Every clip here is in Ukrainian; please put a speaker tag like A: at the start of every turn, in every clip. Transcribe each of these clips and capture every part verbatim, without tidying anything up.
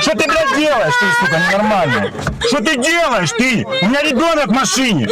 A: Что ты, блядь, делаешь, ты, сука, ненормальный? Что ты делаешь, ты? У меня ребенок в машине.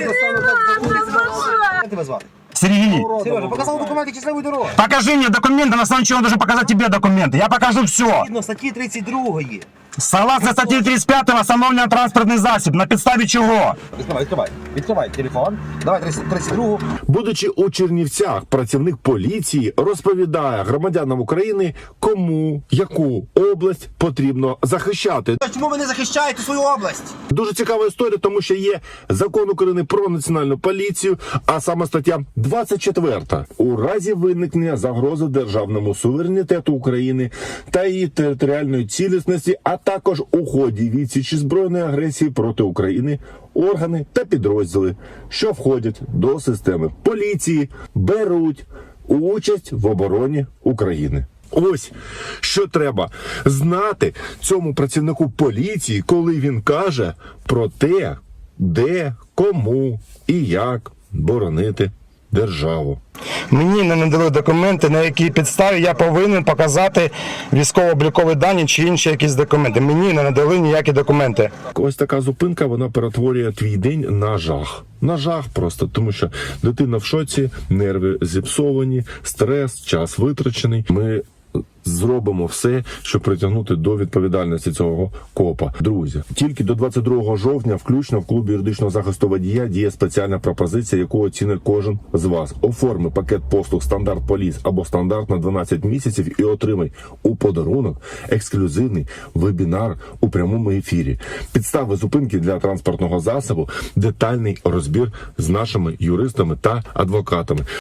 B: Як тебе звати?
A: Сергей,
B: Сережа, показав документи щасливої дороги.
A: покажи мне документы, на основании чего он должен показать тебе документы. Я покажу все.
B: Згідно статті тридцять два.
A: Согласно статье тридцать пять, остановлен транспортный засіб. На підставі чого?
B: Відкривай, відкривай. Відкривай телефон. Давай тридцять два.
C: Будучи у Чернівцях, працівник поліції розповідає громадянам України, кому яку область потрібно захищати.
B: Чому ви не захищаєте свою область?
C: Дуже цікава історія, тому що є закон України про національну поліцію, а саме стаття двадцять четверта. У разі виникнення загрози державному суверенітету України та її територіальної цілісності, а також у ході відсічі збройної агресії проти України, органи та підрозділи, що входять до системи поліції, беруть участь в обороні України. Ось що треба знати цьому працівнику поліції, коли він каже про те, де, кому і як боронити державу.
A: Мені не надали документи, на якій підставі я повинен показати військово-облікові дані чи інші якісь документи. Мені не надали ніякі документи.
C: Ось така зупинка, вона перетворює твій день на жах. На жах просто, тому що дитина в шоці, нерви зіпсовані, стрес, час витрачений. Ми зробимо все, щоб притягнути до відповідальності цього копа. Друзі, тільки до двадцять другого жовтня включно в клубі юридичного захисту водія діє спеціальна пропозиція, яку оцінить кожен з вас. Оформи пакет послуг «Стандарт Поліс» або «Стандарт» на дванадцять місяців і отримай у подарунок ексклюзивний вебінар у прямому ефірі. Підстави зупинки для транспортного засобу, детальний розбір з нашими юристами та адвокатами.